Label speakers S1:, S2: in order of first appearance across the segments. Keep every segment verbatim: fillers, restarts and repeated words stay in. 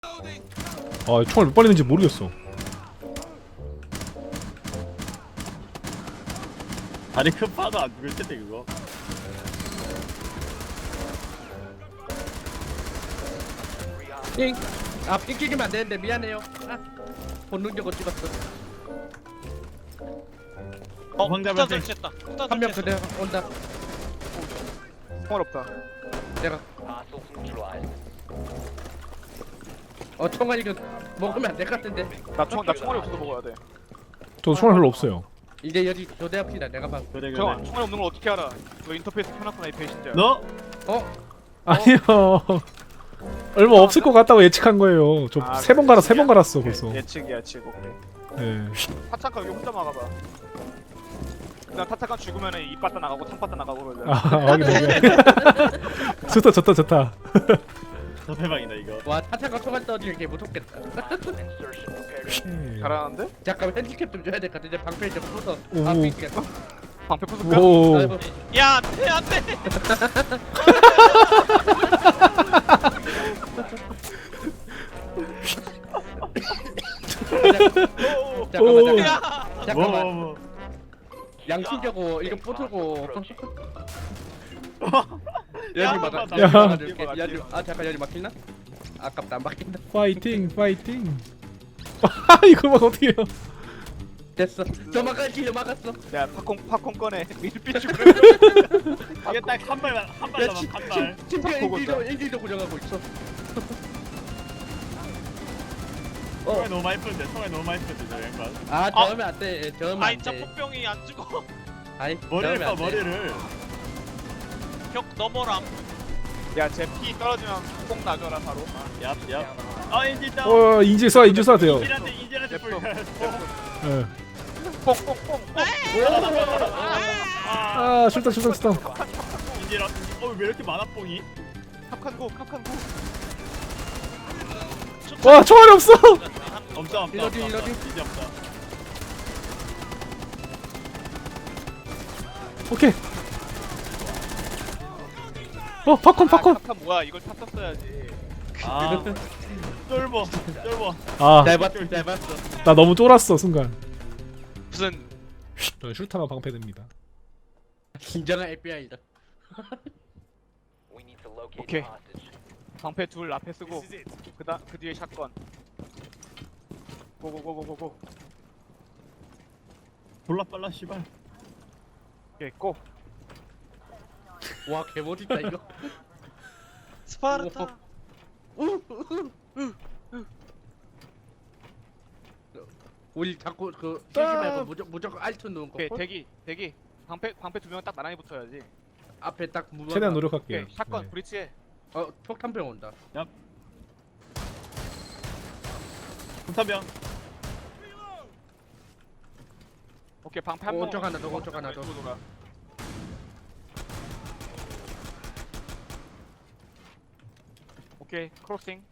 S1: 아 총알 몇 발있는지 모르겠어.
S2: 다리 큰 파도 안 죽을 텐데 그거.
S3: 핑! 아, 핑 끼기면 안 되는데 미안해요. 아, 본능적으로 찍었어.
S2: 어, 황자
S4: 폭탄
S2: 발생.
S4: 설치했다. 폭탄
S3: 한 명
S4: 설치했어.
S3: 그대 온다.
S5: 총알 없다.
S3: 내가. 어, 총알 이거 먹으면 안 될 것 같은데.
S5: 나 총, 나 총알이 없어서 먹어야 돼.
S1: 저 총알 별로 없어요.
S3: 이제 여기 교대합시다. 내가 봐.
S2: 그래
S5: 저
S2: 그래.
S5: 총알이 없는 걸 어떻게 알아? 너 인터페이스 켜놨구나 이 배신자.
S2: 너?
S3: 어?
S1: 아니요. 얼마 없을 것 같다고 예측한 거예요. 저
S5: 아,
S1: 세 번 갈아 세 번
S5: 예측이야?
S1: 갈았어
S5: 오케이,
S1: 벌써.
S5: 예측 예측 오케이.
S1: 네.
S5: 타창카 여기 혼자 막아봐. 그냥 타창카 죽으면은 이 빠따 나가고 탕 빠따 나가고 그러잖아.
S1: 아 확인 확인. 좋다 좋다 좋다.
S2: 더 대박이다 이거.
S3: 와, 타차가 총알 떠지는 게 무섭겠다.
S5: 잘하는데?
S3: 잠깐만 핸디캡 좀 줘야 될 것 같은데 방패 좀 부숴.
S1: 오.
S3: 아, 핑크겠다.
S5: 방패 부술까?
S1: 오.
S3: 아이고.
S4: 야, 안돼, 안돼.
S3: 잠깐만,
S1: 오.
S3: 잠깐만.
S4: 야,
S3: 잠깐만.
S2: 뭐, 뭐, 뭐.
S3: 양심적으로 이거 부수고.
S2: 야,
S3: 여기 막아.
S2: 야.
S3: 여기 막아줄게.
S5: 여기
S3: 여기. 아, 잠깐 여기 막히나? 아깝다, 안 막힌다.
S1: 파이팅 파이팅. 아 이거 막 어떻게 해요?
S3: 됐어. 저 막았지, 저 막았어.
S5: 야 팝콘 팝콘 꺼내. 밀빛 죽으.
S2: 이게 딱 한 발만 한
S3: 야,
S2: 발만
S3: 침,
S2: 한
S3: 침,
S2: 발.
S3: 침대
S5: 보고
S3: 인질도
S5: 있다.
S3: 인질도 고정하고 있어.
S2: 총알 너무 많이 푸는데 총알 너무 많이 푸는데 저 양반.
S3: 아,
S4: 아.
S3: 저으면 안 돼. 저으면
S4: 아이
S3: 안
S4: 짜
S3: 돼.
S4: 폭병이 안 죽어.
S3: 아이,
S2: 머리를
S3: 저으면
S2: 봐
S3: 안 돼.
S2: 머리를.
S4: 벽 넘어람.
S5: 야제 피 떨어지면 꼭 놔줘라 바로.
S2: 얍 얍. 아 인질 다운.
S1: 어 인질 쏴 인질 쏴도 돼요.
S2: 인질한테 인질한테
S5: 냅둬.
S2: 불.
S1: 예.
S5: 뽕뽕뽕.
S1: 아 출동 출동 출동.
S2: 인질 어왜 이렇게 많아 뽕이?
S5: 캅칸고 캅칸고.
S1: 와 총알이 없어.
S2: 없다 없다 없다.
S3: 일러지,
S2: 없다.
S3: 일러지.
S2: 이제 없다.
S1: 오케이. 어 팝콘 팝콘.
S5: 캅칸 뭐야? 이걸 탔었어야지.
S2: 아 쫄보 쫄보.
S1: 아
S3: 잘 봤어, 잘 봤어.
S1: 나 너무 쫄았어 순간.
S4: 무슨
S1: 저는 슈타가 방패됩니다.
S3: 진정한 에프비아이다.
S5: 오케이. 방패 둘 앞에 쓰고 그다 그 뒤에 샷건. 고고고고고고.
S2: 졸라 빨라 씨발.
S5: 오케이 고.
S3: 와, 개멋있다 이거.
S4: 스파르타.
S3: 우리 자꾸 그 쓰지 말고 무조, 무조건 알트 누운 거.
S5: 오케이 대기 대기. 방패 방패 두 명 딱 나란히 붙어야지.
S3: 앞에 딱 무방.
S1: 최대한 노력할게요.
S5: 오케이 샷건
S1: 네.
S5: 브리치해.
S3: 어, 폭탄병 온다.
S2: 군사병.
S5: 오케이 방패 한 번.
S3: 오른쪽 하나 더, 오른쪽 하나 더.
S5: 왼쪽으로 돌아. 오케이 크로싱.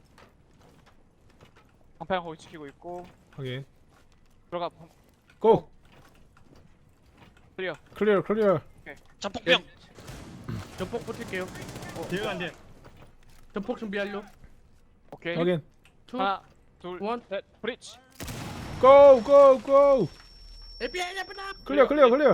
S5: 방패 거기 지키고 있고
S1: 확인.
S5: 들어가. 방-
S1: 고.
S5: 클리어.
S1: 클리어 클리어.
S4: 자폭병.
S3: 전폭 붙일게요.
S2: 뒤에 간대.
S3: 전폭 준비하려.
S5: 오케이
S1: 확인.
S3: 투,
S5: 하나 둘
S3: 원.
S5: 셋 브리치.
S1: 고 고 고.
S3: 에프비아이 잡았다.
S1: 클리어 클리어 클리어.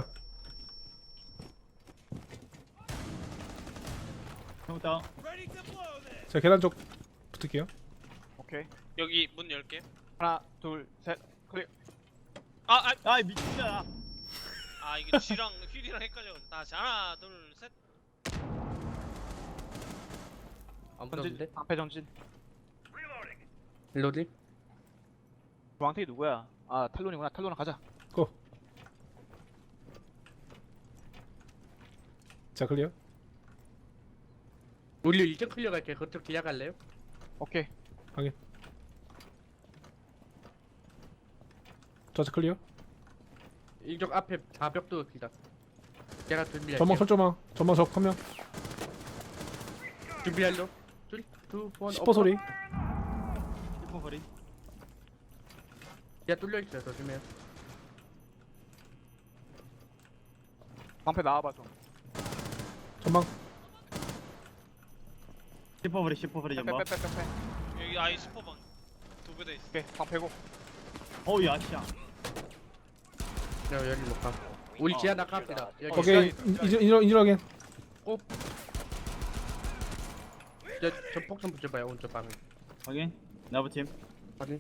S2: 형 다운.
S1: 자 계단 쪽 붙을게요.
S5: 오케이
S4: 여기 문 열게.
S5: 하나 둘 셋 클리어.
S4: 아, 아,
S2: 아 미친다.
S4: 아 이게 G랑 휠이랑 헷갈려. 다시 하나, 둘, 셋.
S3: 안
S5: 전진
S3: 붙었는데?
S5: 방패 전진.
S3: 일로디?
S5: 주황색이 누구야? 아 탈론이구나. 탈론아 가자.
S1: 고. 자 클리어.
S3: 우리 이쪽 클리어 갈게. 그쪽 기약 갈래요?
S5: 오케이
S1: 확인. 좌측 클리어.
S3: 이쪽 앞에 좌벽도 기다. 제가 준비할게요.
S1: 전망 설정망. 전망 적 한 명.
S3: 준비하려. 둘, 투, 원.
S1: 시퍼 소리.
S2: 일본 거리.
S3: 야, 뚫려 있어요. 조심해요.
S5: 방패 나와봐 좀.
S1: 전망.
S2: 슈퍼버리 슈퍼버리 전방.
S5: 빼빼빼빼빼.
S4: 여기 아이 스포방. 두 배 돼 있어.
S5: 오케이 방 빼고.
S2: 어우 야 씨야.
S3: 여, 여기 못 가. 우리
S2: 어.
S3: 지하 낙합니다. 여기.
S1: 오케이 인질 인질 인질 확인.
S3: 저, 저 폭좀 붙여봐요 오른쪽 방에.
S2: 확인. 나부 팀.
S3: 아니.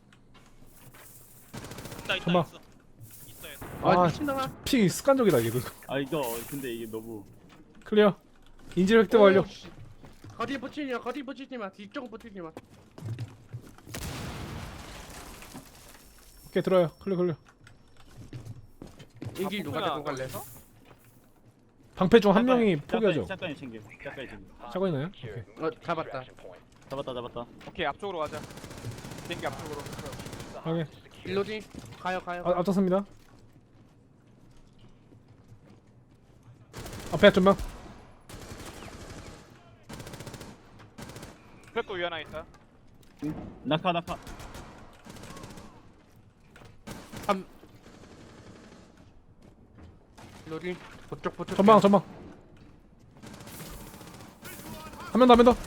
S4: 있다 있다
S1: 잠깐만.
S4: 있어. 있어 있어.
S3: 아
S1: 아,
S3: 미친놈아.
S1: 픽 습관적이다 이게.
S2: 아 이거 근데 이게 너무.
S1: 클리어. 인질 획득 완료.
S3: 오, 씨. 거기 붙이지 마. 거기 붙이지 마. 뒤쪽 붙이지 마.
S1: 오케이 들어요. 클리어 클리어.
S3: 인기 누가 데리고 갈래?
S1: 방패 중 한
S2: 잠깐,
S1: 명이
S2: 잠깐,
S1: 포기하죠.
S2: 잠깐이 챙겨. 잠깐이 챙겨.
S1: 차고 있나요? 오케이.
S3: 어 잡았다.
S2: 잡았다 잡았다.
S5: 오케이 앞쪽으로 가자. 비행기 앞쪽으로.
S1: 확인.
S3: 일로디 가요 가요.
S1: 아, 앞섰습니다. 앞에 전방.
S5: 벽도 위 하나 있다.
S2: 낙하 낙하.
S3: 일로디 그쪽 붙여.
S1: 전방 전방. 한 명 더 한 명 더.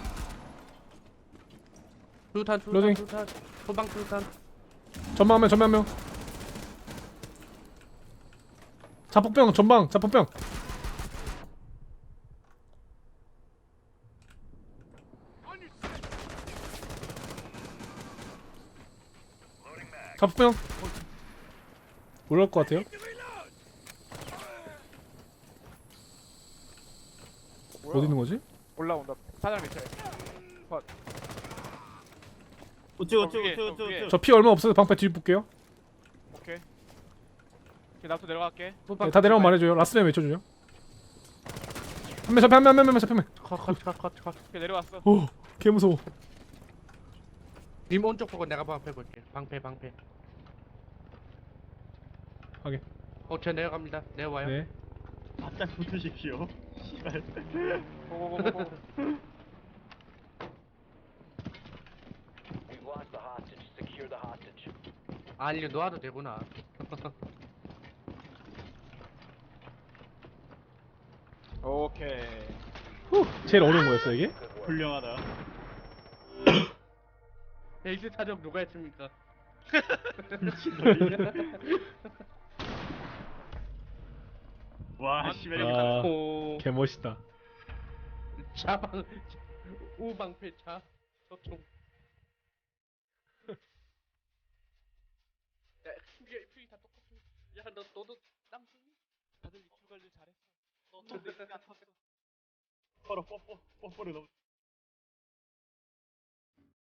S3: 두탄
S1: 로딩.
S3: 두탄 두탄. 후방 두탄.
S1: 전방 한 명 전방 한 명. 자폭병 전방 자폭병. 자폭병. 올라올 것 같아요. 어디 있는 거지?
S5: 올라온다. 사장 밑에.
S2: 우측
S5: 어,
S2: 우측
S5: 위에,
S2: 우측
S5: 어,
S2: 우측
S5: 위에.
S2: 우측.
S1: 저 피 얼마 없어서 방패 뒤 볼게요.
S5: 오케이. 오케이 나부터 내려갈게.
S3: 후방
S1: 네, 다 내려오면 말해줘요. 라스맨 외쳐줘요. 한명 잡혀 한명 한명 잡혀 한 명.
S3: 컷컷컷컷.
S5: 오케이 내려왔어.
S1: 오, 개 무서워.
S3: 님 오른쪽 보고 내가 방패 볼게. 방패 방패.
S1: 확인.
S3: 어저 내려갑니다. 내려와요.
S1: 네.
S2: 바짝 붙으십시오. 씨발.
S5: 고고고고.
S3: 아 이거 놓아도 되구나.
S5: 오케이.
S1: 제일 어려운 거였어 이게?
S2: 훌륭하다.
S3: 에이스 타적 누가 했습니까?
S2: 와 씨발 여기
S1: 아,
S3: 오
S1: 개 멋있다.
S3: 자방 우방패 자 저총. 야 이게 퓨이 다 똑같아. 야너 너도 땀 흘리?
S5: 다들 입술 관리 잘했어.
S4: 너또 내가 탔어.
S2: 서로 뽀뽀 뽀뽀를 너무.